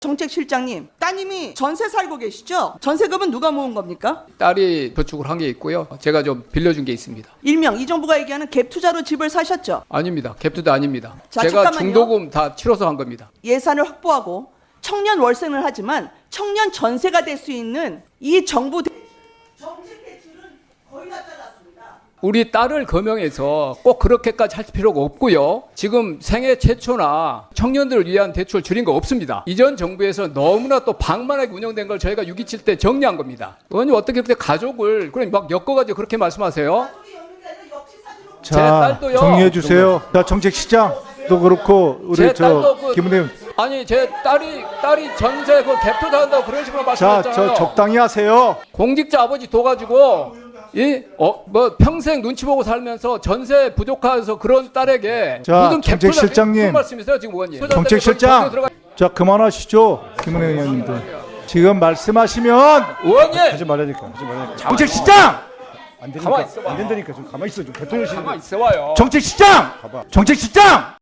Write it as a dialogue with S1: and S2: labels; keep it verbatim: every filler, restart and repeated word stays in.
S1: 정책실장님, 따님이 전세 살고 계시죠? 전세금은 누가 모은 겁니까?
S2: 딸이 저축을 한 게 있고요. 제가 좀 빌려준 게 있습니다.
S1: 일명 이 정부가 얘기하는 갭 투자로 집을 사셨죠?
S2: 아닙니다. 갭투도 아닙니다.
S1: 자,
S2: 제가
S1: 잠깐만요.
S2: 중도금 다 치러서 한 겁니다.
S1: 예산을 확보하고 청년 월세는 하지만 청년 전세가 될 수 있는 이 정부 대... 정책 대출은 거의 다 잘랐습니다.
S2: 우리 딸을 거명해서 꼭 그렇게까지 할 필요가 없고요. 지금 생애 최초나 청년들을 위한 대출 줄인 거 없습니다. 이전 정부에서 너무나 또 방만하게 운영된 걸 저희가 육 이칠 때 정리한 겁니다. 의원님 어떻게 그렇게 가족을 그냥 막 엮어가지고 그렇게 말씀하세요?
S1: 가족이 없는 게 아니라 역시 사진으로
S2: 제
S3: 자,
S2: 딸도요.
S3: 정리해 주세요. 자, 정책시장도 그렇고 우리
S2: 제
S3: 저
S2: 딸도 그-
S3: 김은혜.
S2: 아니 제 딸이 딸이 전세 그 갭투자 한다고 그런 식으로
S3: 자,
S2: 말씀하셨잖아요.
S3: 저 적당히 하세요.
S2: 공직자 아버지 둬가지고 이 어 뭐 평생 눈치 보고 살면서 전세 부족해서 그런 딸에게
S3: 자,
S2: 무슨 갭투자
S3: 정책실장님.
S2: 무슨 말씀이세요 지금 의원님?
S3: 정책실장. 자, 그만하시죠. 김은혜 의원님들. 지금 말씀하시면
S2: 의원님
S4: 하지 말라니까 하지 말라니까
S3: 정책시장.
S4: 안
S2: 가만히
S4: 되니까
S2: 있어봐.
S4: 안 된다니까 좀 가만히 있어 좀 대통령실
S2: 가만 있어 와요.
S3: 정책시장. 정책시장.